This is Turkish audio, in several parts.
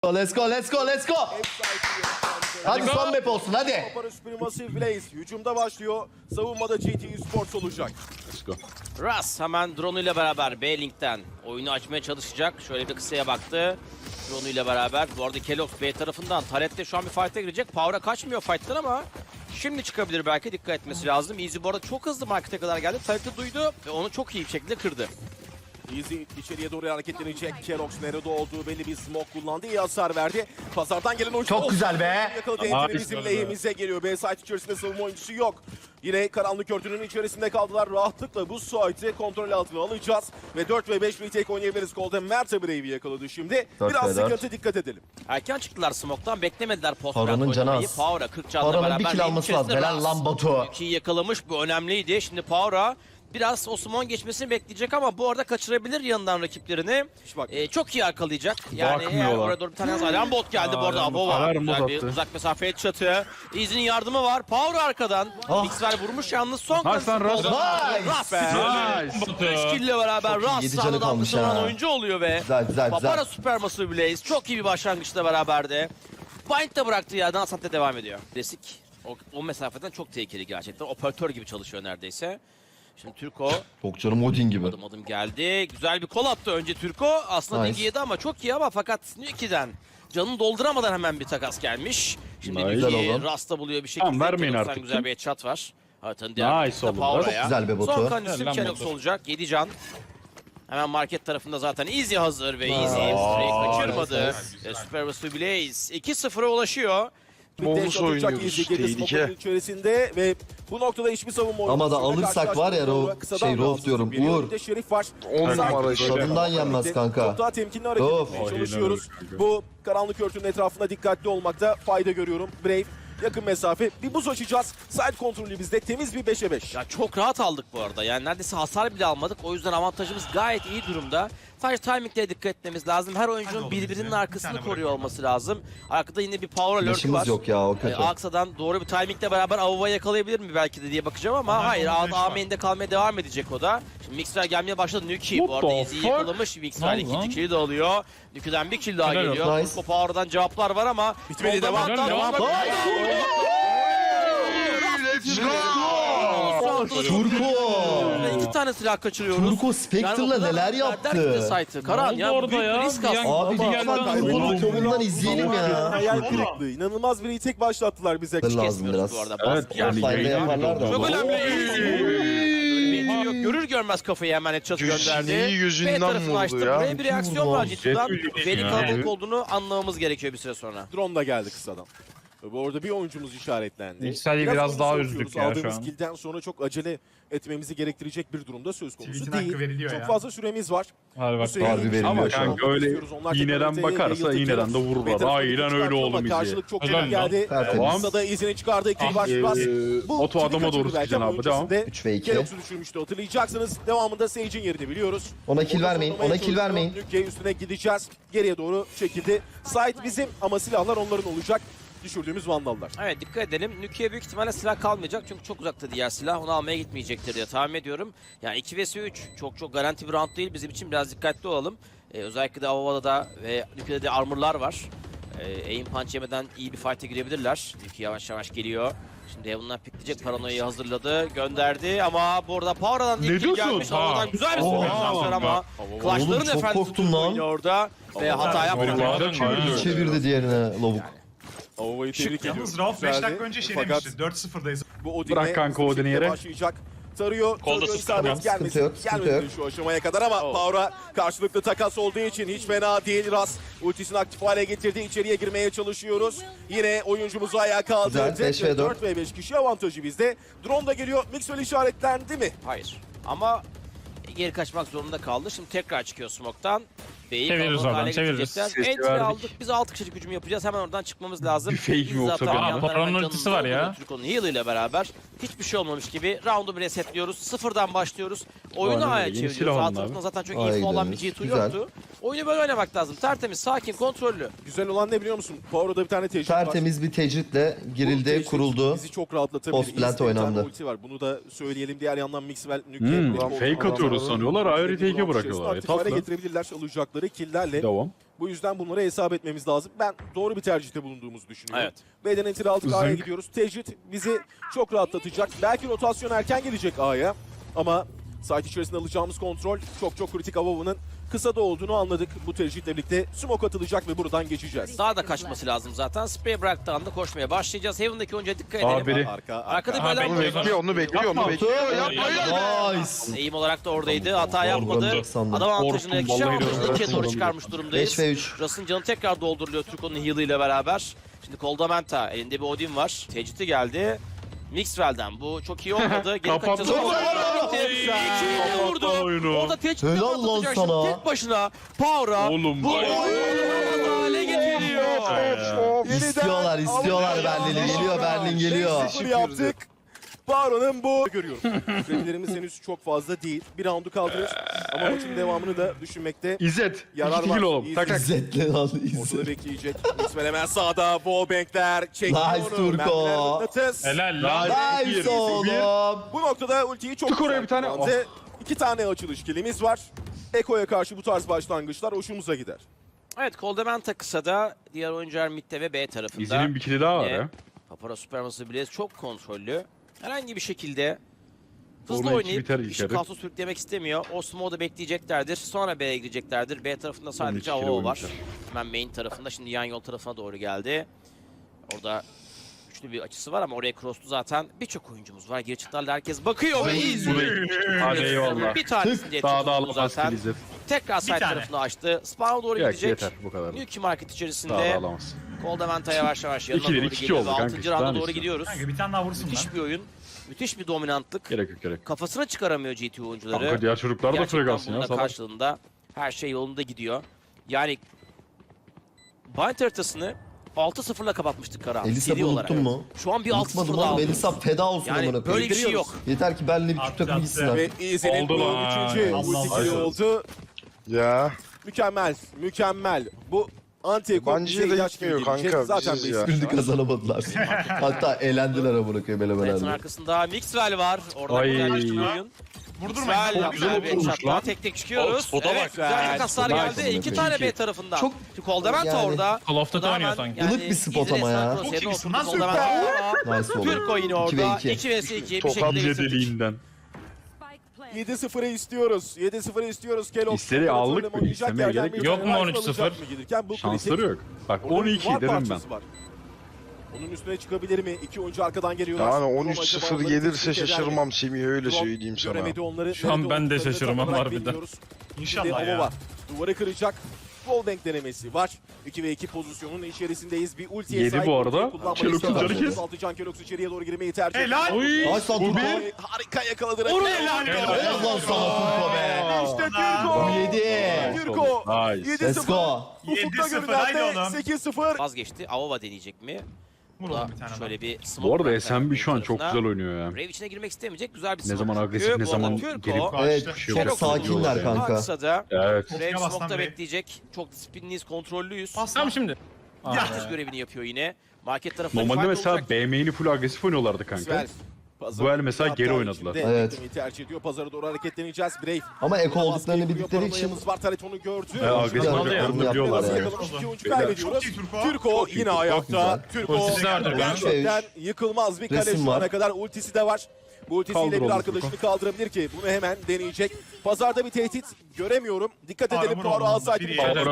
Let's go, let's go, let's go. Hadi son map olsun, hadi. Papara Supermassive Blaze hücumda başlıyor. Savunmada GT Sports olacak. Let's go. Ras hemen drone ile beraber B-Link'ten oyunu açmaya çalışacak. Şöyle bir kısaya baktı. Drone ile beraber. Bu arada Kelox B tarafından. Taret de şu an bir fight'e girecek. Power'a kaçmıyor fight'tan ama şimdi çıkabilir belki. Dikkat etmesi lazım. Easy bu arada çok hızlı markete kadar geldi. Taret'i duydu ve onu çok iyi bir şekilde kırdı. Easy içeriye doğru hareketlenecek. Kerox nerede olduğu belli bir smoke kullandı. İyi hasar verdi. Pazardan gelen oyuncu. Çok güzel be. Yakaladı. Entry bizim lehimize geliyor. B site içerisinde savunma oyuncusu yok. Yine karanlık örtünün içerisinde kaldılar. Rahatlıkla bu site'i kontrol altına alacağız. Ve 4 ve 5 retake oynayabiliriz. Kolda Mert'e Brave'i yakaladı şimdi. 4 Biraz ve 4. sıkıntı, dikkat edelim. Erken çıktılar smoke'tan. Beklemediler post Power'ın canı az. Power'a 40 canla Power'ın beraber. bir kill alması lazım. Helal lan Batu. 2'yi yakalamış. Bu önemliydi. Şimdi Power'a biraz Osman geçmesini bekleyecek ama bu arada kaçırabilir yanından rakiplerini. Hiç bak. Çok iyi arkalayacak. Yani Bakmıyorlar. oraya doğru bir tane alarm bot geldi bu arada. Abo var. Alarm bot Güzel bir attı. uzak mesafeye çatı. Easy'nin yardımı var. Power arkadan. Ah. Mixwell vurmuş yalnız son Nice lan, Ras. Ras. Nice. 3 kill ile beraber Çok iyi, Ras 7 canı sağdan kalmış vuran ha. oyuncu oluyor ve Güzel, güzel, Papara güzel. Supermassive Blaze çok iyi bir başlangıçla beraberdi. Bind de bıraktığı yerden Asante devam ediyor. Klasik. O mesafeden çok tehlikeli gerçekten. Operatör gibi çalışıyor neredeyse. Şimdi Türko Çok canım Odin gibi. adım adım geldi. Güzel bir kol attı önce Türko. Aslında Nice. Digi yedi ama çok iyi ama fakat Nuki'den canını dolduramadan hemen bir takas gelmiş. Şimdi Nice. Güzel Nuki oldu. Rasta buluyor bir şekilde. Tamam, vermeyin Kelox'tan artık. güzel bir headshot var. Haritanın diğer Nice tarafında oldu. Power'a. Çok güzel be Batu. Son kancısı Helal Kelox Batu. olacak. 7 can. Hemen market tarafında zaten Easy hazır ve Easy Nice. Spray'i kaçırmadı. Nice. Supermassive Blaze 2-0'a ulaşıyor. Bonus oynuyoruz. Tehlike. içerisinde ve bu noktada hiçbir savunma oyuncusu. Ama da alırsak var ya, Rauf diyorum, Uğur. Bir de Şerif var. 10 numara işte. Tadından yenmez kanka. Çok daha temkinli hareket Rauf. etmeye Aynen çalışıyoruz. öyle kanka. Bu karanlık örtünün etrafında dikkatli olmakta fayda görüyorum. Brave yakın mesafe. Bir buz açacağız. Side kontrolü bizde. Temiz bir 5'e 5. Ya çok rahat aldık bu arada. Yani neredeyse hasar bile almadık. O yüzden avantajımız gayet iyi durumda. Sadece timinglere dikkat etmemiz lazım. Her oyuncunun birbirinin arkasını koruyor olması lazım. Arkada yine bir power alert Yaşımız var. yok ya, o kötü. Aksa'dan doğru bir timingle beraber Avova'yı yakalayabilir mi belki de diye bakacağım ama hayır. A-main'de kalmaya devam edecek o da. Şimdi Mixwell gelmeye başladı. Nuki bu arada Easy'yi yakalamış. Mixwell ikinci kill'i de alıyor. Nuki'den bir kill daha Helal geliyor. olsun. Turko Power'dan cevaplar var ama Bitmedi, devam. Turko. İki tane silah kaçırıyoruz. Turko Spectre'la neler yaptı? Karan ya, bu orada büyük bir ya? risk Bir aslında. Abi lütfen Turko'nun kolundan izleyelim ya. Hayal kırıklığı. İnanılmaz bir retake başlattılar bize. Lazım Kesmiyoruz biraz. bu arada. Evet, Baskı yani Offline'de yaparlar da. çok ama. önemli. Yok, görür görmez kafayı hemen headshot gönderdi. Gözünü yüzünden B tarafını vurdu açtı. ya. Buraya bir reaksiyon var cidden. Çok Belli ya. kalabalık olduğunu anlamamız gerekiyor bir süre sonra. Drone da geldi kısadan. Bu arada bir oyuncumuz işaretlendi. Yüksel'i biraz daha oyuncu üzdük sokuyoruz. ya şu Aldığımız an. kill'den sonra çok acele etmemizi gerektirecek bir durumda söz konusu Tweet'in değil. hakkı veriliyor Çok ya. fazla süremiz var. Hadi bak. Hüseyin, Harbi veriliyor Ama şu an. kanka öyle Onlar iğneden tekrar bakarsa yayıldı. iğneden de vururlar. Peter Aynen Ford'u öyle çıkarttı oğlum ama izle. Karşılık çok Helal çabuk lan. geldi. Tertemiz. Kısa da izini çıkardı. İkili baş bas. Oto adama doğru sıkacaksın abi, devam. 3 ve 2. Kelox'u düşürmüştü, hatırlayacaksınız. Devamında Sage'in yerini biliyoruz. Ona kill Onu vermeyin, tutmaya ona kill çalışıyor. vermeyin. Nuke'ye üstüne gideceğiz. Geriye doğru çekildi. Site bizim ama silahlar onların olacak. Düşürdüğümüz vandallar. Evet, dikkat edelim. Nuki'ye büyük ihtimalle silah kalmayacak çünkü çok uzakta diğer silah. Onu almaya gitmeyecektir diye tahmin ediyorum. Yani 2 vs 3 çok garanti bir round değil. Bizim için biraz dikkatli olalım. Özellikle de Avova'da da ve Nuki'de de armorlar var. Aim punch yemeden iyi bir fight'e girebilirler. Nuki yavaş yavaş geliyor. Şimdi Heaven'dan pikleyecek, paranoyayı hazırladı, gönderdi ama bu arada Power'dan Ne ilk kill diyorsun? gelmiş. Ha. Avova'dan güzel bir Oha. transfer ama Clash'ların Oğlum çok efendisi korktum Turko lan. oynuyor orada ve hata yapmadı. Vallahi çevirdi. Çevirdi diğerine lavuk. Avova'yı tebrik ediyoruz. Yalnız Rauf 5 Güzeldi. dakika önce şey Fakat demişti. 4-0'dayız. bu Odin'e Bırak kanka Odin'i yere. başlayacak. Tarıyor. Kolda Tarıyor, sıkıntı isabet yok, gelmesin. sıkıntı yok, Gelmedi sıkıntı şu aşamaya kadar ama Power'a karşılıklı takas olduğu için hiç fena değil. Ras ultisini aktif hale getirdi. İçeriye girmeye çalışıyoruz. Yine oyuncumuzu ayağa kaldırdı. Güzel, 5 ve 4. 4 ve 5 kişi avantajı bizde. Drone da geliyor. Mixwell işaretlendi mi? Hayır. Ama geri kaçmak zorunda kaldı. Şimdi tekrar çıkıyor smoke'tan. B'yi Çeviririz kalabalık oradan, hale çeviririz. getirecekler. Sesi Entry verdik. aldık. Biz 6 kişilik hücum yapacağız. Hemen oradan çıkmamız lazım. Bir fake mi Biz yoksa zaten benim? bir yandan Paranın hemen ultisi canımızı var ya. dolduruyor Türko'nun heal ile beraber. Hiçbir şey olmamış gibi round'u bir resetliyoruz. Sıfırdan başlıyoruz. Oyunu Aynen A'ya öyle. Yeni çeviriyoruz. silah Sağ alın tarafında abi. zaten çok A'ya info olan bir gidiyoruz. G2 Güzel. yoktu. Oyunu böyle oynamak lazım. Tertemiz, sakin, kontrollü. Güzel olan ne biliyor musun? Power'da bir tane tecrübe var. Tertemiz bir tecritle Bu girildi, tecrübe kuruldu. Bizi çok rahatlatabilir. Post plant İyi bir tane oynandı. ulti var. Bunu da söyleyelim. Diğer yandan Mixwell, Nuke. Fake atıyoruz sanıyorlar. Ayrı take'e bırakıyorlar. Aktif hale Tatlı. getirebilirler alacakları killlerle. Devam. Bu yüzden bunları hesap etmemiz lazım. Ben doğru bir tercihte bulunduğumuzu düşünüyorum. Evet. B'den enter aldık, A'ya Zınk. gidiyoruz. Tecrit bizi çok rahatlatacak. Belki rotasyon erken gelecek A'ya. Ama site içerisinde alacağımız kontrol çok kritik. Avova'nın kısa da olduğunu anladık. Bu tercihle birlikte smoke atılacak ve buradan geçeceğiz. Daha da kaçması lazım zaten. Spray bıraktığı anda koşmaya başlayacağız. Heaven'daki oyuncuya dikkat edelim. Biri. Arkada Aha, böyle bekliyor, bekliyor. onu bekliyor. Yapma. Nice. Eğim olarak da oradaydı. Hata yapmadı. Vurdum sandım. Adam avantajını, Korktum, kişi vallahi avantajını öyle. 2'ye doğru çıkarmış durumdayız. 5 ve 3. Russ'ın canı tekrar dolduruluyor Turco'nun heal'ı ile beraber. Şimdi Koldamenta elinde bir Odin var. Tecidi geldi. Mixwell'den bu çok iyi olmadı. Geri Kapattı. kaçacağız. Kapattı. İkiyi vurdu. oyunu. Orada Tecidi Helal lan sana. tek başına. Power'a Oğlum bu bu. oyunu hale getiriyor. İstiyorlar Berlin'i. Geliyor Berlin geliyor. 5-0 yaptık. Baron'un bu görüyorum. Sürelerimiz henüz çok fazla değil. Bir roundu kaldırır. Ama maçın devamını da düşünmekte İzzet. yarar 2 var. kill oğlum. İzzet. Tak tak. İzzetli lan Ortada İzzet. bekleyecek. İsmail hemen sağda. Wallbank'ler çekiyor Nice onu. Turko. Mermiler mıknatıs. Helal lan. Nice oğlum. Bu noktada ultiyi çok Tık oraya güzel bir tane. kullandı. 2 tane açılış kilimiz var. Eko'ya karşı bu tarz başlangıçlar hoşumuza gider. Evet, Koldamenta kısada, diğer oyuncular midde ve B tarafında. İzzet'in bir killi daha var Yine ya. Papara Supermassive Blaze çok kontrollü. Herhangi bir şekilde hızlı Orada iki oynayıp biter işi içeri. kaosu sürüklemek istemiyor. O smoke'u da bekleyeceklerdir. Sonra B'ye gireceklerdir. B tarafında sadece iki kere AWO var. oynayacak. Hemen main tarafında. Şimdi yan yol tarafına doğru geldi. Orada güçlü bir açısı var ama oraya cross'tu zaten. Birçok oyuncumuz var. Geri çıktılarla herkes bakıyor. Bu da Hadi eyvallah. Bir tanesini diye Daha da tutuldu alamaz zaten. kill İzzet. Tekrar side tane. tarafını açtı. Spawn'a doğru Yok gidecek. yeter bu kadar. Nuki Market Daha da içerisinde alamaz. Koldamenta yavaş yavaş yanına İkileri doğru iki geliyor. oldu ve kanka, 6. işte, rounda daha doğru işte. gidiyoruz. Kanka bir tane daha vursun Müthiş lan. bir oyun. Müthiş bir dominantlık. Gerek yok gerek. Kafasına çıkaramıyor GT oyuncuları. Kanka diğer çocuklar da Gerçekten frag alsın bunun ya. da Salak. karşılığında her şey yolunda gidiyor. Yani Bind haritasını 6-0'la kapatmıştık Karahan. Elisa seri olarak. unuttun mu? Şu an bir Unutmadım 6-0'la oğlum. aldık. Elisa feda olsun Yani amına böyle bir şey koyayım. yok. Yeter ki Berlin'le bir Türk takımı Attı, gitsin attı. artık. Ve Easy'nin Oldu bu lan. 3. Allah ulti Allah. kili oldu. Ya Mükemmel. Bu anti-ekol bence bize de ilaç gitmiyor gibi gelecek. kanka, Zaten biziz ya. basic Şimdi kazanamadılar. Hatta eğlendiler amına koyayım Fight'ın elemelerle. arkasında Mixwell var. Orada Ay. güzel bir oyun. Vurdurmayın. Mixwell Çok güzel güzel bir vurmuş headshot'la lan. tek tek çıkıyoruz. Spot'a Evet, bak. güzel kaslar Nice geldi. amına 2 koyayım. tane B tarafından. Çok- Çünkü Koldamenta yani- orada. Call of Duty O da oynuyor hemen sanki. Ilık bir spot ama ya. Çok iyisin lan, Nice oğlum. Türko yine 2 orada. ve 2. 2 vs 2 bir Tam şekilde bitirdik. deliğinden. 7-0'ı istiyoruz. 7-0'ı istiyoruz. Kellogg. İsteri aldık mı? Oynayacak İstemeye yerden gerek bir yok. Yok tane mu rifle 13-0? alacak mı gelirken bu Şansları kritik. yok. Bak Orada 12 duvar derim ben. parçası var. Onun üstüne çıkabilir mi? 2 oyuncu arkadan geliyorlar. yani Roma 13-0 acaba onları gelirse tespit eder mi? şaşırmam Semih, öyle Drop söyleyeyim sana. göremedi onları. Şu an Nerede ben de olduklarını şaşırmam tam olarak harbiden. bilmiyoruz. İnşallah Şimdi ya. Ava var. Duvarı kıracak. Wallbang denemesi var. 2 ve 2 pozisyonun içerisindeyiz. Bir ultiye Yedi sahip. bu arada. ultiyi kullanmayı Kelox'un istiyorlar. canı kes. 36 can Kelox içeriye doğru girmeyi tercih ediyor. Helal. Nice lan Turko. Oy, harika yakaladı. Helal. Helal lan sana Turko be. İşte Türko. 17. Türko. Nice. 7-0. Let's go. Ufukta 7-0, haydi görünen de oğlum. 8-0. Vazgeçti. Avova deneyecek mi? Vur Bu da oğlum bir tane şöyle daha. bir smoke Bu arada bıraktı SMB şu an çok tarafına. güzel oynuyor ya. Brave içine girmek istemeyecek. Güzel bir Ne smoke zaman bırakıyor. agresif ne Bu arada zaman Türko, gelip Evet şey çok yok. sakinler kanka. Aksa'da Evet. Brave Bastan smoke'ta Brave. bekleyecek. Çok disiplinliyiz, kontrollüyüz. Tamam şimdi. Herkes görevini yapıyor yine. Market tarafında Normalde fight mesela olacak. B main'i full agresif oynuyorlardı kanka. Svel. Bu el mesela Hatta geri oynadılar. içinde Evet. beklemeyi tercih ediyor. Pazara doğru hareketleneceğiz. Brave. Ama eko olduklarını Baskıyı kuruyor, bildikleri için paranoyamız var. Taret onu gördü. Agresif Biraz oynadıklarını yaptılar biliyorlar yani. ya. Yakalamış, iki oyuncu Beyler. kaybediyoruz. Çok iyi Turko. Türko Çok iyi, yine çok ayakta. güzel. Türko Ultisi de vardır ben. gerçekten yıkılmaz bir kale Resim şu ana var. kadar. Ultisi de var. Bu ultisiyle Kaldır bir oğlum arkadaşını kaldırabilir ki bunu hemen deneyecek. Pazarda bir tehdit göremiyorum. Dikkat edelim. vur Poirot oğlum, alsaydı. biri yere.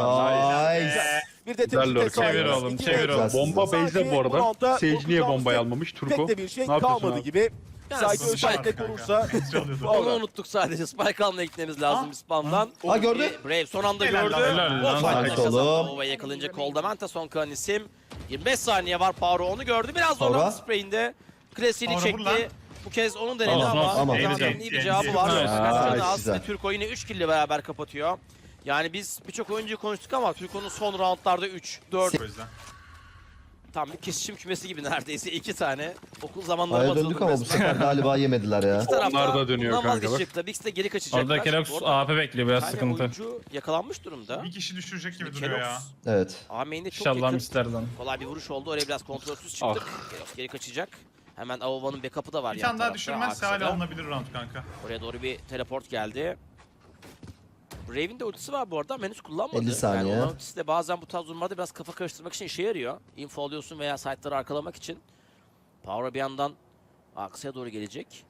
Nice. Bir de Güzel tehdit lurk. hesabı. Çevir oğlum, İki çevir ve oğlum. iki. Bomba Sanki base'de bu roundda arada. Sage niye korkacağımız bombayı almamış Turko? Pek de bir şey Ne yapıyorsun kalmadı abi? gibi. Yani Sadece Spike özellikle kanka. konursa. Onu unuttuk sadece. Spike almaya gitmemiz lazım bir spamdan. Ha gördü. Brave son anda Helal gördü. lan, helal lan. O fight'ı Nice kazandı. oğlum. Avova yakalayınca Koldamenta son kalan isim. 25 saniye var. Poirot onu gördü. Biraz Poirot. zorlandı spreyinde. Klasiğini Poirot vur lan. çekti. Bu kez onun denedi Olsun, ama olsun. Koldamanta'nın iyi bir cevabı var. Nice. Kaçırdı az Güzel. ve Türko yine 3 kill ile beraber kapatıyor. Yani biz birçok oyuncuyu konuştuk ama Türko'nun son roundlarda 3, 4 O yüzden. tam bir kesişim kümesi gibi neredeyse 2 tane. Okul zamanları Aya hatırladım döndük ama bu resmen. sefer galiba yemediler ya. İki tarafta Onlar da dönüyor bundan kanka bak. vazgeçecekler. Bix de geri kaçacaklar. Orada Kelox Bu arada AP bekliyor, biraz bir tane sıkıntı. oyuncu yakalanmış durumda. Bir kişi düşürecek gibi Kelox, duruyor ya. Evet. A-main'de çok İnşallah yakın. misterden. Kolay bir vuruş oldu. Oraya biraz kontrolsüz çıktık. Kelox geri kaçacak. Hemen Avova'nın backup'ı da var Bir yan tane daha tarafta, düşürmezse Aksa'da. hala alınabilir round kanka. Oraya doğru bir teleport geldi. Brave'in de ultisi var bu arada ama henüz kullanmadı. 50 saniye. Yani onun ultisi de bazen bu tarz durumlarda biraz kafa karıştırmak için işe yarıyor. Info alıyorsun veya site'ları arkalamak için. Power bir yandan Aksa'ya doğru gelecek.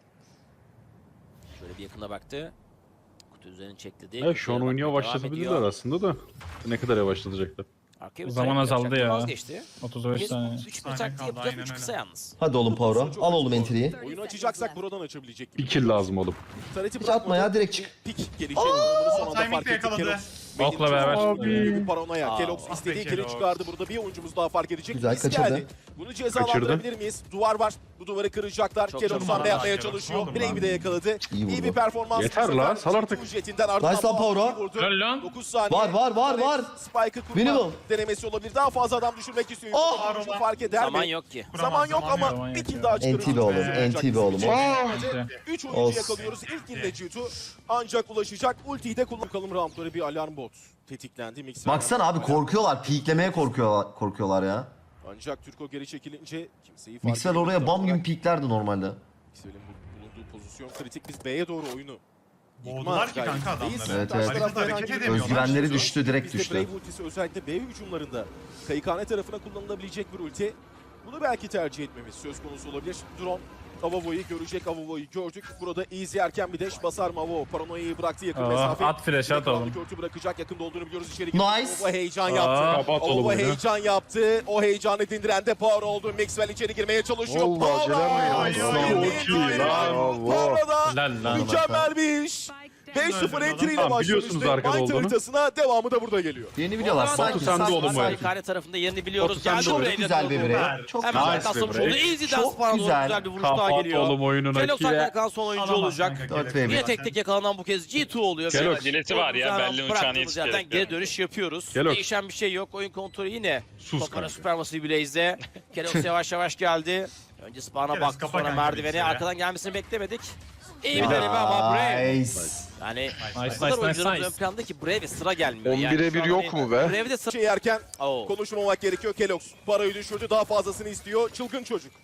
Şöyle bir yakına baktı. Kutu üzerine çekti diye. Evet, şu an oynuyor başlatabilirler aslında da. Ne kadar yavaşlatacaklar. Arkaya bir Zaman trap azaldı yapacaktı, ya. vazgeçti. 35 saniye. 3 Saniye taktiği kaldı, yapacağız. aynen 3 kısa yalnız. Hadi oğlum Power'a. Al oğlum entry'yi. Oyunu açacaksak buradan açabilecek gibi. Bir kill lazım oğlum. Tareti Hiç atma ya, direkt çık. Pik gelişi. Bunu son anda Timing fark de ettik. yakaladı. Kelox. Okla beraber. Bir paranoya. Kelox Ah istediği be kili Kelox. çıkardı. Burada bir oyuncumuz daha fark edecek. Güzel, Biz kaçırdı. geldi. Bunu cezalandırabilir miyiz? Duvar var. Bu duvarı kıracaklar. Çok Kelox çabuk hamle yapmaya Kelox. çalışıyor. Aldım Brave'i ben. de yakaladı. İyi İyi vurdu. bir performans. Yeter bu sefer. lan, sal artık. G2 Jet'inden ardından Nice lan Power'a. vurdu. Helal lan. 9 saniye. Var. Spike'ı kurma Minimum. denemesi olabilir. Daha fazla adam düşürmek istiyor. Oh! Oyuncu fark eder Zaman mi? yok ki. Zaman yok ama Zaman bir yok kill ya. daha çıkarır. NT be oğlum, NT be oğlum. İşte. 3 oyuncu Olsun. yakalıyoruz. İlk kilde G2 ancak ulaşacak. Ultiyi de kullan. Bakalım roundları bir alarm bot tetiklendi. Mix Baksana abi korkuyorlar. Peeklemeye korkuyorlar ya. Ancak Türko geri çekilince kimseyi fark Mixwell edemedi. oraya bam gibi peeklerdi normalde. Mixwell'in bulunduğu pozisyon kritik. Biz B'ye doğru oyunu. Boğdular ki gayretindeyiz. kanka adamları. Evet, Karşı evet. tarafta Hareket herhangi bir edemiyorlar. Özgüvenleri yok. düştü, direkt Bizde düştü. Brave ultisi özellikle B hücumlarında Kayıkhane tarafına kullanılabilecek bir ulti. Bunu belki tercih etmemiz söz konusu olabilir. Drone Avavo'yu görecek. Avavo'yu gördük. Burada easy erken bir dash basar mı Avavo? Paranoyayı bıraktı yakın Aa, mesafe. at flash, at oğlum. Körtü bırakacak. Yakında olduğunu biliyoruz. İçeri Nice. Avavo heyecan yaptı. Kapat oğlum Avavo oyunu. heyecan yaptı. O heyecanı dindiren de Power oldu. Maxwell içeri girmeye çalışıyor. Vallahi Power! Celal Bey. Yirmi Çok iyi, bravo. Power'da Helal lan. mükemmel bir iş. 5-0 entry ile Tamam, başlamıştı. biliyorsunuz arkada Mind olduğunu. haritasına devamı da burada geliyor. Yeni biliyorlar. Batu, Sakin sen de sakin oğlum bu sakin. Kayıkhane tarafında yerini biliyoruz. Batu, sen de Geldi oğlum. oraya Çok güzel bir birey. Çok Hemen güzel. Nice arkasına be vurdu. break. Easy Çok dance falan güzel. güzel bir vuruş daha Kapat geliyor. oğlum oyunun Kelox akiye. kalan son oyuncu Alamaz olacak. kanka, 4 Kelox. ve Yine tek tek yakalanan bu kez G2 oluyor. Kelox. Acelesi var ya, belli uçağını Bıraktığımız yerden yetiştirerek geri yani. dönüş yapıyoruz. Kelox. Değişen bir şey yok. Oyun kontrolü yine. Sus Topara kanka. Supermassive Blaze'de. Kelox yavaş yavaş geldi. Önce spawn'a Kelox, baktı, kapa sonra kanka merdivene. bilgisayarı. Arkadan gelmesini beklemedik. İyi bir deneme ama Brave. Nice. Yani Nice, bu kadar nice, oyuncularımız nice. ön planda ki Brave'e sıra gelmiyor. 11'e şu an 1 yok hani mu be? Brave'de sıra... Şey yerken Oo. konuşmamak gerekiyor. Kelox parayı düşürdü. Daha fazlasını istiyor. Çılgın çocuk.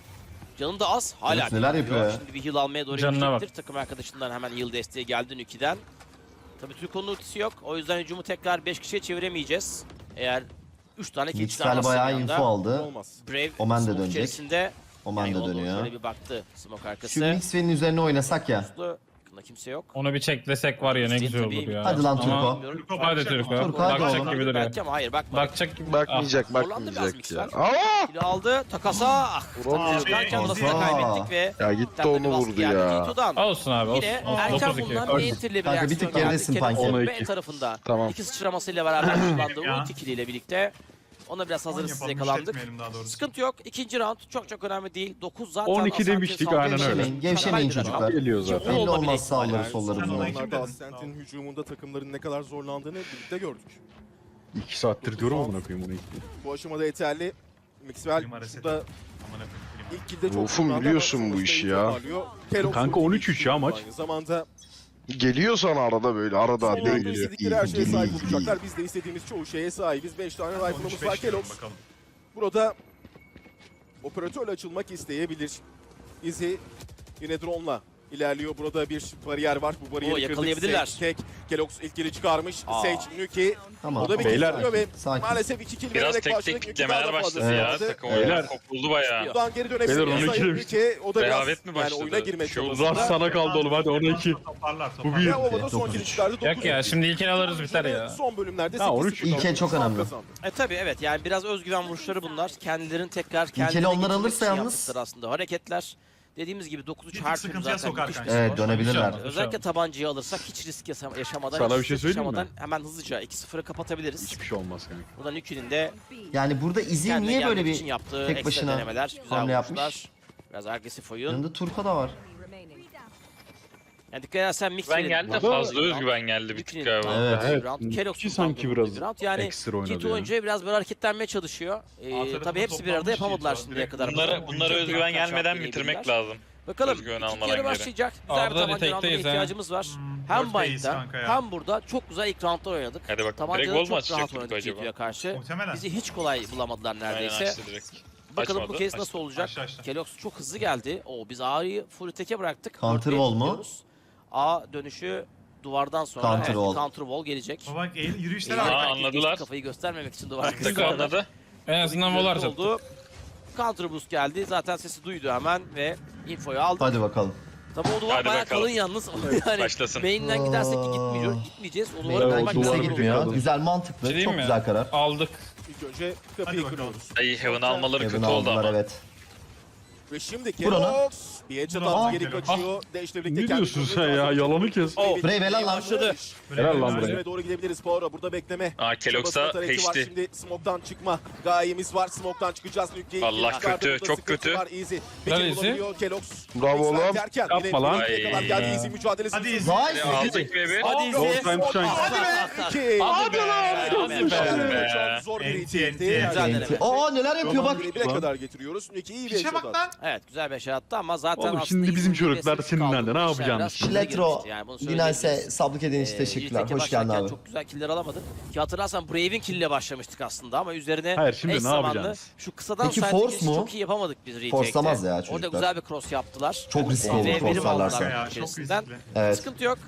Canı da az. Hala Kelox neler yapıyor ya? Şimdi bir heal almaya doğru Canına gidecektir. Takım arkadaşından hemen heal desteği geldi Nuki'den. Tabii Türko'nun ultisi yok. O yüzden hücumu tekrar 5 kişiye çeviremeyeceğiz. Eğer 3 tane kill Mixwell çıkarmazsa bayağı bir anda. info aldı. Olmaz. Brave Omen de smoke dönecek. içerisinde. Omen Yani de yola doğru dönüyor. Şöyle bir baktı smoke arkası. Şu Mixwell'in üzerine oynasak ya. Yakında kimse yok. Onu bir çeklesek var ya ne güzel olur ya. Hadi lan Turko. Ama- Bilmiyorum. Hadi Turko. Turko, hadi Bakacak oğlum. gibi duruyor. Belki ama hayır bakma. Bakacak gibi. Bakmayacak, Zorlandı biraz bakmayacak ya. Mixwell. Aa! Kilo aldı. Takasa. Ah. Vuramıyor. Çıkarken burası da Aa. kaybettik ve Ya gitti Temelde onu bir baskı vurdu geldi ya. G2'dan. Ah. Olsun abi olsun. Yine olsun. erken 9-2. bulunan bir enterli bir Kanka, bir tık reaksiyon geridesin geldi. Punky. Kelox'un 10'a B 2. tarafında. Tamam. İki sıçramasıyla beraber kullandığı Ya. ulti kiliyle birlikte. Ona biraz hazırlıksız yakalandık. Sıkıntı yok. İkinci round çok önemli değil. 9 zaten 12 Asante demiştik, saldırı aynen öyle. Gevşemeyin, gevşemeyin Kaybediler. çocuklar. Geliyor zaten. Belli Olmadı olmaz bile. sağları Yani solları son bunlar. zamanlarda Tamam. Ascent'in hücumunda takımların ne kadar zorlandığını birlikte gördük. 2 saattir diyorum amına koyayım onu. Bu aşamada yeterli. Mixwell Klima reset. şurada ilk kilde çok Wolf'um kullandı biliyorsun ama bu sonuçta işi iyi ya. toparlıyor. Kelox Kanka, ultiyi 13-3 ya maç. Aynı zamanda Geliyor sana arada böyle, arada son arada anda geliyor. istedikleri her şeye sahip olacaklar. Biz de istediğimiz çoğu şeye sahibiz. 5 tane rifle'ımız var. Kelox burada operatörle açılmak isteyebilir. Izzy yine drone'la ilerliyor. Burada bir bariyer var. Bu bariyeri kırdık. yakalayabilirler. Sage tek. Kelox ilk kill'i çıkarmış. Aa. Sage, Nuki. Tamam. O da bir Beyler, kill çıkıyor ve sakin. maalesef 2 kill Biraz vererek tek başladık. tek Nuki daha da kitlemeler fazla başladı ya. aldı. Takım Beyler. oyunu kopuldu bayağı. Buradan geri Beyler, dönebilir. onu Sayın ikilemiş. Nuki. O da biraz Rehavet mi başladı? oyuna girmeye Şey oldu. çalıştı. Zar sana kaldı oğlum, hadi 12. Toparlar Bu toparlar. bir. Ve Ova'da son 9-3. kill çıkardı. Yok ya 9-3. şimdi ilkini alırız biter ya. Son bölümlerde Ha, 13 8-0 İlk el çok önemli. kazandı. Tabii evet yani biraz özgüven vuruşları bunlar. Kendilerini tekrar İlkeli kendilerine onlar getirmek alırsa için yalnız- yaptıkları aslında hareketler. Dediğimiz gibi 9-3 tık her türlü sıkıntıya zaten sokar müthiş bir kanka. Evet, skor. dönebilirler. Özellikle tabancayı alırsak hiç risk yaşamadan, Sana hiç bir şey stres söyleyeyim mi? yaşamadan hemen hızlıca 2-0'ı kapatabiliriz. Hiçbir şey olmaz kanka. Buradan Nuki'nin de Yani burada Izzy kendine niye böyle gelmek için bir yaptığı tek ekstra başına denemeler, güzel hamle vuruşlar. yapmış? Biraz agresif oyun. yanında Turko da var. Yani dikkat edersen mix Ben geldi de fazla özgüven geldi bir tık galiba. Evet. Nuki sanki biraz yani ekstra oynadı G2 ya. oyuncuya biraz böyle hareketlenmeye çalışıyor. tarafında Tabii hepsi bir arada toplanmış yapamadılar G2 şimdiye kadar. Bunlara özgüven gelmeden bitirmek lazım. Bakalım Özgüven ikinci almadan yarı geri. başlayacak. Güzel Arda bir tabanca retake'teyiz rounduna ha. ihtiyacımız var. Hem Dörtteyiz Bind'da kanka ya. hem burada çok güzel ilk roundlar oynadık. Hadi bakalım. Tabancada Direkt gol mu çok rahat açacaktık oynadık acaba? G2'ye karşı. Muhtemelen. Bizi hiç kolay bulamadılar Aynen neredeyse. açtı direkt. Bakalım bu Açmadı, kez açtı. nasıl olacak. Açtı. Kelox çok hızlı geldi. Biz A'yı full teke bıraktık. Counter Dörtlüye wall mu? gidiyoruz. A dönüşü duvardan sonra Counter evet, wall. counter wall gelecek. Bak yürüyüşler Eğer var. Aa, herkes anladılar. Kafayı göstermemek için duvar Tık arkasında. anladı. En azından volar Oldu. çattı. Counter boost geldi. Zaten sesi duydu hemen ve infoyu aldı. Hadi bakalım. Tabii o duvar Hadi bayağı bakalım. kalın yalnız. Yani Başlasın. main'den gidersek ki gitmeyeceğiz. O duvara Main'den kaymak kimse duvarı lazım. gitmiyor. bakalım. Güzel, mantıklı. Şey diyeyim Çok mi? güzel karar. Aldık. İlk önce Hadi kapıyı bakalım. kırıyoruz. Ay Heaven almaları Heaven kötü oldu aldılar ama. evet. Ve şimdi Vur onu. Kelox bir headshot Vur onu. attı, geri kaçıyor. Dash'le birlikte Ne kendi diyorsun golünü sen ya? kazandı. Yalanı kes. Brave helal lan. Başladı. Helal lan buraya. Üzerine doğru gidebiliriz. Power burada bekleme. Aa Kelox'a Çabasına tarafı var. peşti. Şimdi smoke'tan çıkma gayemiz var. Smoke'tan çıkacağız. Nükleyi Allah çıkardı. kötü, Burada çok sıkıntı kötü. Var. Easy. Helal Peki Easy. bulabiliyor Kelox. Bravo Mixler lan. derken Yapma yine lan. Nükle'ye kadar geldi. Easy mücadelesi. Hadi Easy. Nice. Aldık bebi. Hadi Gold Easy. time shine. Hadi be. Çok zor bir NT. itildi. Güzel deneme. Aa neler yapıyor bak. Bire kadar getiriyoruz. Nükleyi iyi bir Piçe headshot bak attı. lan. Evet güzel bir şey attı ama zaten Oğlum aslında şimdi bizim izin çocuklar verilmesi senin kaldı. nerede? Ne İşler yapacağını biraz düşünüyor. hızlı Şiletro, gelişti yani, bunu Linalse söyleyebiliriz. sablık ediğin için teşekkürler. Retake Hoş geldin başlarken abi. Çok güzel killer alamadık. Ki hatırlarsan Brave'in kill'le başlamıştık aslında ama üzerine Hayır, şimdi eş ne zamanlı yapacağız? Şu kısadan Peki side force girişi mu? çok iyi yapamadık biz retake'te. Force'lamaz ya Orada çocuklar. güzel bir cross yaptılar. Çok riskli Ve olur verim crosslarlarsa. aldılar Ya, çok içerisinden. riskli. Evet. Sıkıntı yok.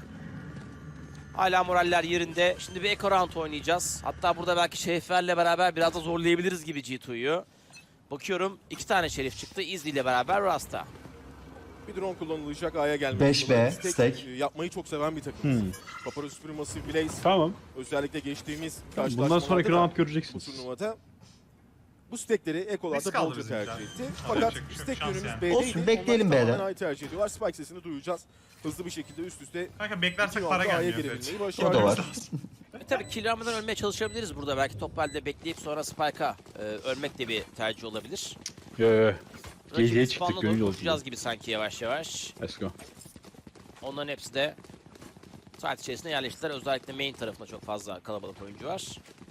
Hala moraller yerinde. Şimdi bir eco round oynayacağız. Hatta burada belki Şeriflerle beraber biraz da zorlayabiliriz gibi G2'yu. Bakıyorum 2 tane Şerif çıktı. Easy ile beraber Rasta. Bir drone kullanılacak A'ya gelmek. 5B, stack. Yapmayı çok seven bir takım. Papara Supermassive Blaze. Tamam. Özellikle geçtiğimiz Bundan karşılaşmalarda sonraki da round bu göreceksiniz. turnuvada bu stackleri ekolarda Risk aldı bolca bizimkiler. tercih etti. Ama Fakat yapacak bir şey yok. stack Şans yönümüz yani. B'deydi. Olsun, bekleyelim Onlar tamamen B'de. A'yı tercih ediyorlar. Spike sesini duyacağız. Hızlı bir şekilde üst üste Kanka iki beklersek para roundda A'ya gelmiyor. girebilmeyi O da başardılar. var. Tabii kill almadan ölmeye çalışabiliriz burada. Belki top halde bekleyip sonra Spike'a ölmek de bir tercih olabilir. Yo. Geceye Rakibin çıktık spawn'la gönül doğru olsun. koşacağız gibi sanki yavaş yavaş. Let's go. Onların hepsi de saat içerisinde yerleştiler. Özellikle main tarafında çok fazla kalabalık oyuncu var.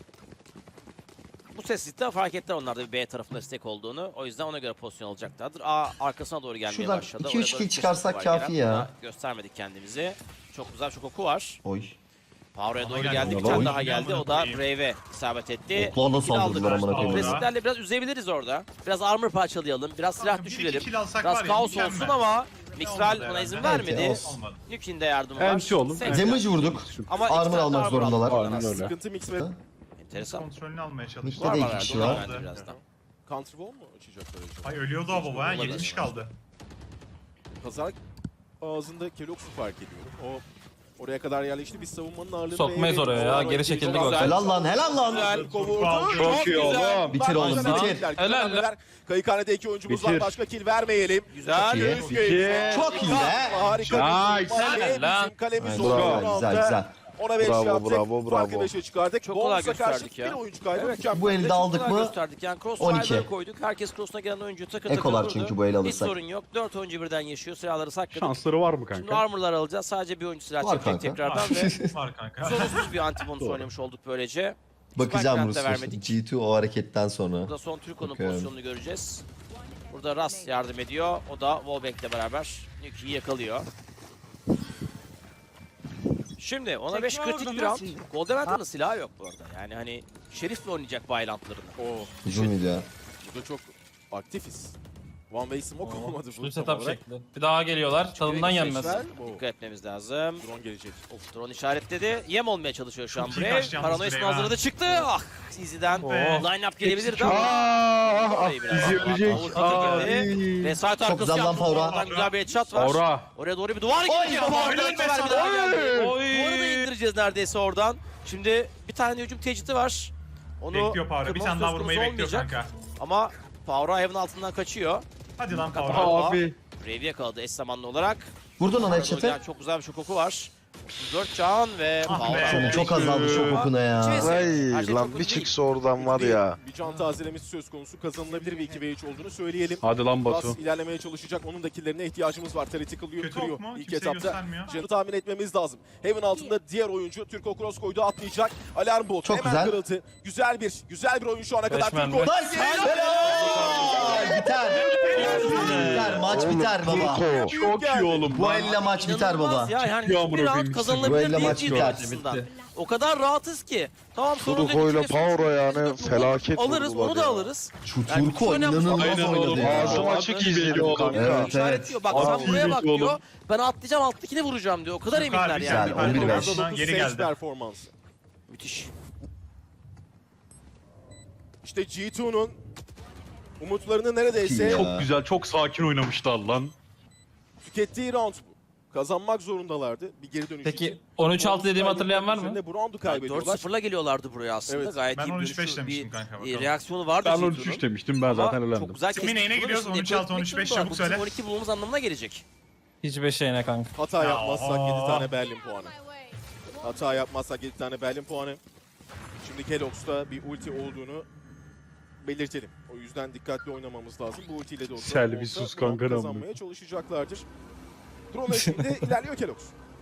Bu sessizlikte fark ettiler onlar da bir B tarafında stack olduğunu. O yüzden ona göre pozisyon alacaklardır. A arkasına doğru gelmeye Şuradan başladı. 2-3 Oraya doğru kill bir çıkarsak sessizlik var kafi gelen. ya. Daha göstermedik kendimizi. Çok güzel çok oku var. Oy. Power'a doğru geldi. geldi. Bir Oy. tane daha geldi. O da Oy. Brave'e isabet etti. Oklarla Kill aldık. saldırdılar amına koyayım. Agresiflerle biraz üzebiliriz orada. Biraz armor parçalayalım. Biraz silah Kanka, bir iki düşürelim. kill alsak Biraz var ya, kaos mükemmel. olsun ama Mixwell Olmadı buna izin herhalde. vermedi. olsun. Olmadı. Nuke'in de yardımı var. Enti oğlum. Seksen. Damage vurduk. Ama Armor iki tane almak armor zorundalar. aldık. Aynen öyle. Sıkıntı mix ve Enteresan. Kontrolünü almaya çalıştı. Mid'de Var de var 2 herhalde, kişi o da var. bence birazdan. counter wall mu açacaklar acaba? Ay ölüyordu o baba ha. Olabilir. 70 kaldı. Pazar ağzında Kelox'u fark ediyorum. O oraya kadar yerleşti. Biz savunmanın ağırlığını Sokmayız B'ye oraya ya, veriyoruz. geri çekildi Çok gol. güzel. Helal lan helal lan. Güzel. Kovurdu. Çok iyi oğlum. Bitir oğlum, bitir. Helal lan. Kayıkhanede 2 oyuncumuz var. Bitir. Başka kill vermeyelim. Güzel. iyi. Özgür. Çok iyi be. Harika. Nice. Helal. Bizim kalemiz Aynen, oldu. bravo, bu güzel roundda. güzel. Ona 5 Bravo, yaptık. bravo, Farkı bravo. 5'e çıkardık. Çok kolay Bonus'a karşı gösterdik ya. bir oyuncu kaybı. Evet. Mükemmel. Bu elde Çok aldık güzel mı? gösterdik. Yani 12. crossfire'ları koyduk. Herkes cross'una gelen oyuncu takır takır Ekolar vurdu. çünkü bu ele Hiç alırsak. sorun yok. 4 oyuncu birden yaşıyor. Silahları sakladık. Şansları var mı Şimdi kanka? armor'lar alacağız. Sadece bir oyuncu silah Var çekecek kanka. tekrardan ve Var kanka. sorunsuz bir anti-bonus oynamış olduk böylece. Bakacağım Spike'dan da Rus vermedik. G2 o hareketten sonra. Burada son Türko'nun Bakıyorum. pozisyonunu göreceğiz. Burada Ras yardım ediyor. O da Wallback'le beraber Nuke'yi yakalıyor. Şimdi ona 5 kritik bir round. Goldeventer'ın silahı yok bu arada. Yani hani Şerif'le oynayacak Violent'larını. Hücum video. Burada çok aktifiz. One way smoke olmadı bu. Full tam setup olarak. şekli. Bir daha geliyorlar. Tadından yenmez. Dikkat etmemiz lazım. Drone gelecek. Of, drone işaretledi. Yem olmaya çalışıyor şu an Çok iyi Brave. kaçtı yalnız Paranoyasını Brave, ha. hazırladı çıktı. Ah Easy'den line-up gelebilirdi ama. Orayı biraz Easy daha ölecek. avutladı girdi. Ve side arkası güzel lan yaptı. Power'a. Oradan güzel bir headshot var. Aura. Oraya doğru bir duvar geliyor. helal be sana. Duvarı da indireceğiz neredeyse oradan. Şimdi bir tane hücum tecridi var. Onu Bekliyor Power'ı. Bir kırmamız tane daha söz vurmayı konusu bekliyor olmayacak. kanka. Ama Power'a Heaven altından kaçıyor. Hadi lan Kapalı. Power. Abi. Brave'i yakaladı eş zamanlı olarak. Vurdun ona Orada headshot'ı. gelen çok güzel bir şok oku var. 4 can ve Ah be. Power'a. Çok azaldı şok okuna ya. Her şey Ay çok lan kötü bir değil. çıksa oradan var ya. Bir can tazelemesi söz konusu. Kazanılabilir bir 2v3 olduğunu söyleyelim. Hadi lan Batu. Bas ilerlemeye çalışacak. Onun da killlerine ihtiyacımız var. Tactical Kötü kırıyor ok mu? ilk Kimseye etapta. göstermiyor. Canı tahmin etmemiz lazım. Heaven altında diğer oyuncu Türko Cross koydu, atlayacak. Alarm bot Çok hemen güzel. kırıldı. Güzel bir oyun şu ana kadar. Beşmen Türko. de. Nice. Helal. Helal biter. Biter maç biter baba. Çok iyi oğlum. Bu elle maç biter baba. İnanılmaz ya. Yani Çok iyi amına hiçbir round koyayım. Bu kazanılabilir elle değil maç G2 biter. açısından. O kadar rahatız ki. Tamam sorun değil. Turko ile İki kez Power'a yani üç kez felaket alırız, vurdular onu da ya. alırız. Şu Yani Turko çok önemli. inanılmaz Aynen oynadı oğlum. ya. Ağzım açık izledim Evet, kanka. evet. İşaretliyor. Bak Abi, sen buraya bak oğlum. diyor. Ben atlayacağım alttakini vuracağım diyor. O kadar Türk eminler harbi yani. Güzel, 11-5. Ondan geri Sage geldi. performansı. Müthiş. İşte G2'nun umutlarını neredeyse Ya. Çok güzel, çok sakin oynamışlar lan. tükettiği round bu. Kazanmak zorundalardı bir geri dönüş Peki için. 13-6 dediğimi hatırlayan var mı? Üzerinde bu roundu kaybediyorlar. 4-0'la geliyorlardı buraya aslında. Evet. Gayet Ben iyi bir 13-5 dönüşü, demiştim bir kanka, bakalım. reaksiyonu vardı Ben G2'nun. 13 demiştim, ben Ama zaten çok elendim. güzel Kimin kestik. neyine Bunu gidiyoruz? şimdi 13-6, yapmak 13-5 zorunda. çabuk Bu bizim söyle. 12 bulmamız anlamına gelecek. Hiçbir şeyine kanka. Hata Ya, yapmazsak oho. 7 tane Berlin puanı. Hata yapmazsak 7 tane Berlin puanı. Şimdi Kelox'ta bir ulti olduğunu belirtelim. O yüzden dikkatli oynamamız lazım. Bu ultiyle de olsa Sel bir sus kanka, kazanmaya çalışacaklardır. Drone eşliğinde ilerliyor Kelox.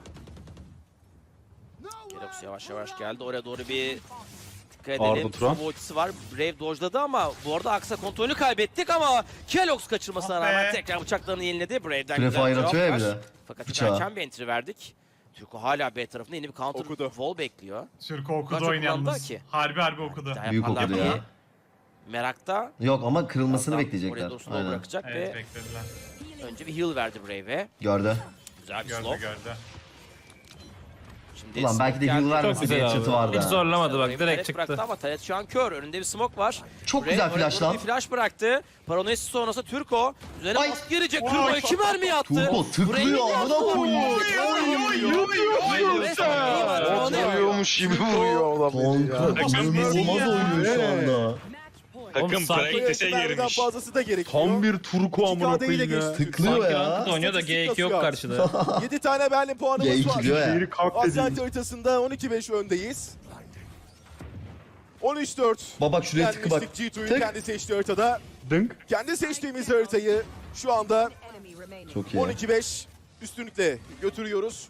Kelox yavaş yavaş geldi. Oraya doğru bir dikkat Arda edelim. Turan. Sova ultisi var. Brave dojladı ama bu arada Aksa kontrolünü kaybettik ama Kelox kaçırmasına Ah be. rağmen tekrar bıçaklarını yeniledi. Brave'den Free güzel bir fire cevap atıyor ya bir var. de. Fakat Bıçağı. erken bir entry verdik. Türko hala B tarafında yeni bir counter Okudu. wall bekliyor. Türko okudu Kaç oyun kullandı yalnız. ki? Harbi okudu. Daha Büyük yaparlar okudu diye ya. Merakta. Yok ama kırılmasını Oraya bekleyecekler. doğru slow Aynen. bırakacak Evet ve beklediler. önce bir heal verdi Brave'e. Gördü. Güzel bir Gördü slow. gördü. Şimdi Ulan belki de smoke heal geldi. vermese Çok güzel bir abi. headshot'ı vardı. Hiç ha. zorlamadı bak Brave'i direkt direkt bıraktı çıktı. ama Tayyip şu an kör. Önünde bir smoke var. Çok Brave güzel oraya flash doğru lan. Bir flash bıraktı. Paranoyası sonrası Türko. Üzerine Ay. baskı gelecek. Turko 2 mermi attı. Turko tıklıyor amına koyuyor. Vuruyormuş gibi vuruyor adam ya. Kanka inanılmaz oynuyor şu anda. Takım sanki practice'e Mermiden girmiş. fazlası da gerekiyor. Tam bir Turko amına 2K'da ile koyayım ya. geçti. Tıklıyor Sanki ya. ranked oynuyor da G2 yok karşıda. 7 tane Berlin puanımız G2 var. diyor ya. Şehri kalk Ascent dedi. haritasında 12-5 öndeyiz. 13-4. Baba bak şuraya tıkı bak. Yenmiştik G2'yu Tık. kendi seçtiği haritada. Dınk. Kendi seçtiğimiz haritayı şu anda Çok iyi. 12-5 üstünlükle götürüyoruz.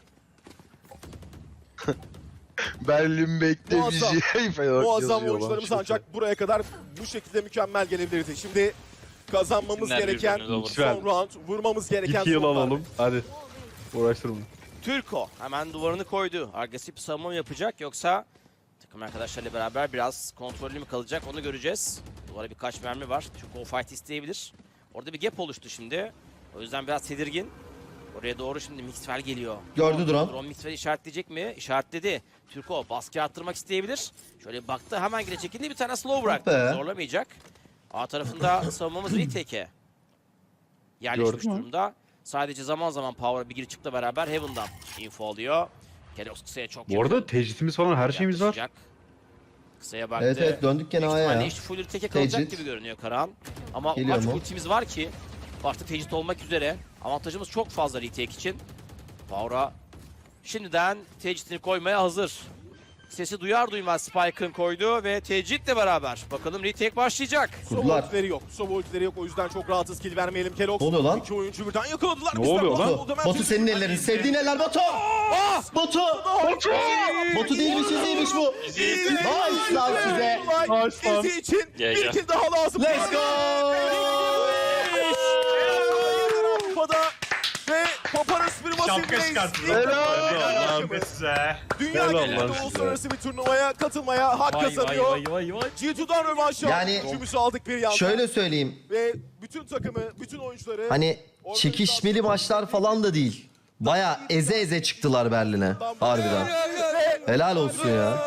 Berlin bekle Muazzam. bizi. Muazzam oyuncularımız ancak buraya kadar bu şekilde mükemmel gelebilirdi. Şimdi kazanmamız Kimler gereken birbirine olur? son round, vurmamız gereken 2 yıl son round. alalım. Hadi. Uğraştırma. Türko hemen duvarını koydu. Agresif bir savunma mı yapacak yoksa takım arkadaşlarıyla beraber biraz kontrollü mü kalacak onu göreceğiz. Duvara birkaç mermi var. Türko o fight isteyebilir. Orada bir gap oluştu şimdi. O yüzden biraz tedirgin. Oraya doğru şimdi Mixwell geliyor. Gördü drone. Drone Mixwell'i işaretleyecek mi? İşaretledi. Türko baskı arttırmak isteyebilir. Şöyle bir baktı hemen gire çekildi bir tane slow bıraktı. be. Zorlamayacak. A tarafında savunmamız retake'e yerleşmiş Gördün mü? durumda. Sadece zaman zaman Power'a bir gir çıkla beraber Heaven'dan info alıyor. Kelox kısaya çok Bu arada tecritimiz falan her şeyimiz var. yaklaşacak. Kısaya baktı. Evet evet döndük gene Büyük A'ya ihtimalle ya. işte full retake kalacak Tecrit. gibi görünüyor Karahan. Ama Geliyor maç mu? ultimiz var ki artık tecrit olmak üzere. Avantajımız çok fazla retake için. Power'a şimdiden tecritini koymaya hazır. Sesi duyar duymaz Spike'ın koydu ve tecritle beraber bakalım retake başlayacak. Kurdular. Ultileri yok. Sova ultileri yok. O yüzden çok rahatız. Kill vermeyelim Kelox. Ne oluyor lan? İki oyuncu birden yakaladılar. Ne Bizden oluyor lan? oldu. Hemen Batu bir- senin ellerin. Sevdiğin eller Batu. Batu. Batu değilmiş değilmiş bu. Nice lan size. Olay izi için Gel, bir gel. kill daha lazım. Let's go. Avrupa'da ve Paparazzi firması Şapka çıkarttı. Helal be size. Dünya Helal genelinde lan size. uluslararası bir turnuvaya katılmaya hak kazanıyor. vay. G2'dan rövanş Yani- gücümüzü aldık bir yandan. Şöyle söyleyeyim. Ve bütün takımı, bütün oyuncuları Hani çekişmeli maçlar falan da değil. Baya eze eze çıktılar Berlin'e. Harbiden. Helal olsun ya.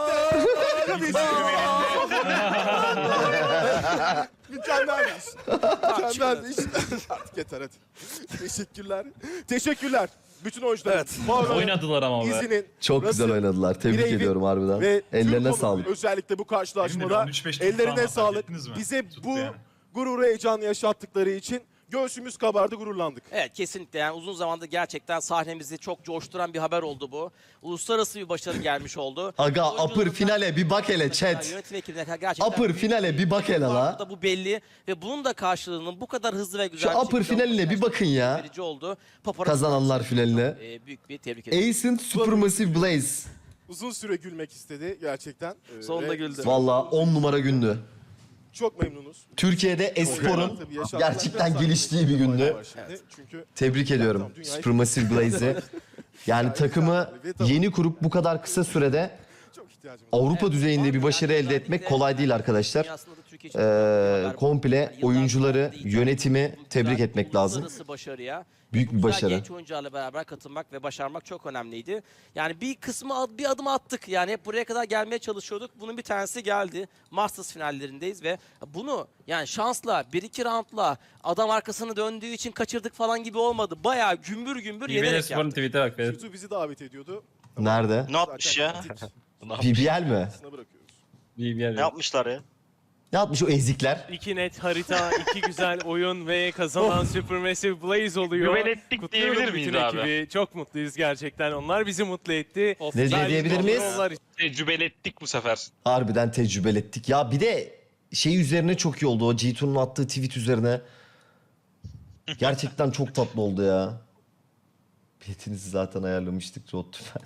Mükemmel bir iş. Mükemmel bir iş. Artık yeter hadi. Teşekkürler. Teşekkürler. Bütün oyuncular. Evet. Oynadılar ama be. İzinin, Çok güzel Russell, oynadılar. Tebrik Brave'in ediyorum harbiden. ve Ellerine Türko'nun sağlık. özellikle bu karşılaşmada Benim de 13-5 tuttu ellerine ama sağlık. fark ettiniz mi? Bize Tuttu bu yani. gururu, heyecanı yaşattıkları için göğsümüz kabardı, gururlandık. Evet kesinlikle yani uzun zamandır gerçekten sahnemizi çok coşturan bir haber oldu bu. Uluslararası bir başarı gelmiş oldu. Aga upper Oyuncularımızdan- finale bir bak hele chat. Yönetim ekibine gerçekten Upper finale bir bak hele la. da bu belli ve bunun da karşılığının bu kadar hızlı ve güzel Şu upper şekilde finaline bir bakın ya. verici oldu. Paparazzi Kazananlar finaline. büyük bir tebrik ederim. Ancient Supermassive Blaze. Uzun süre gülmek istedi gerçekten. Sonunda Ve güldü. Valla 10 numara gündü. Çok memnunuz. Türkiye'de esporun gerçekten geliştiği bir gündü. Çünkü Tebrik ediyorum Supermassive Blaze'i. Yani takımı yeni kurup bu kadar kısa sürede çok ihtiyacımız Avrupa düzeyinde bir başarı elde etmek kolay değil arkadaşlar. Komple oyuncuları, yönetimi tebrik etmek lazım. Uluslararası başarıya Büyük bir güzel başarı. genç oyuncularla beraber katılmak ve başarmak çok önemliydi. Yani bir kısmı bir adım attık. Yani hep buraya kadar gelmeye çalışıyorduk. Bunun bir tanesi geldi. Masters finallerindeyiz ve bunu yani şansla 1-2 roundla adam arkasını döndüğü için kaçırdık falan gibi olmadı. Bayağı gümbür gümbür İBL yenerek Spor'un yaptık. tweet'e bak. Bedir. YouTube bizi davet ediyordu. Nerede? Ne yapmış ya? BBL mi? Aslına bırakıyoruz. BBL. Ne yapmışlar ya? Ne yapmış o ezikler? İki net harita, iki güzel oyun ve kazanan Supermassive Blaze oluyor. Güven ettik Kutluyorum diyebilir miyiz bütün abi? ekibi. Çok mutluyuz gerçekten. Onlar bizi mutlu etti. Ne diyebilir miyiz? Onlar Tecrübeli ettik bu sefer. Harbiden tecrübeli ettik. Ya bir de şey üzerine çok iyi oldu. O G2'nun attığı tweet üzerine. Gerçekten çok tatlı oldu ya. Biletinizi zaten ayarlamıştık. Rod Tüfen.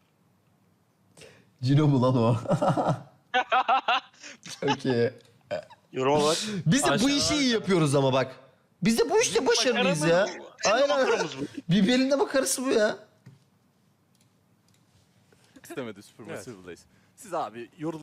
Cino mu lan o? Çok iyi. Yoruma bak. Biz de bu işi iyi yapıyoruz ama bak. Biz de bu işte başarılıyız ya. Aynen. Birbirine makarası bu ya. İstemedi Supermassive Blaze. Siz abi yorul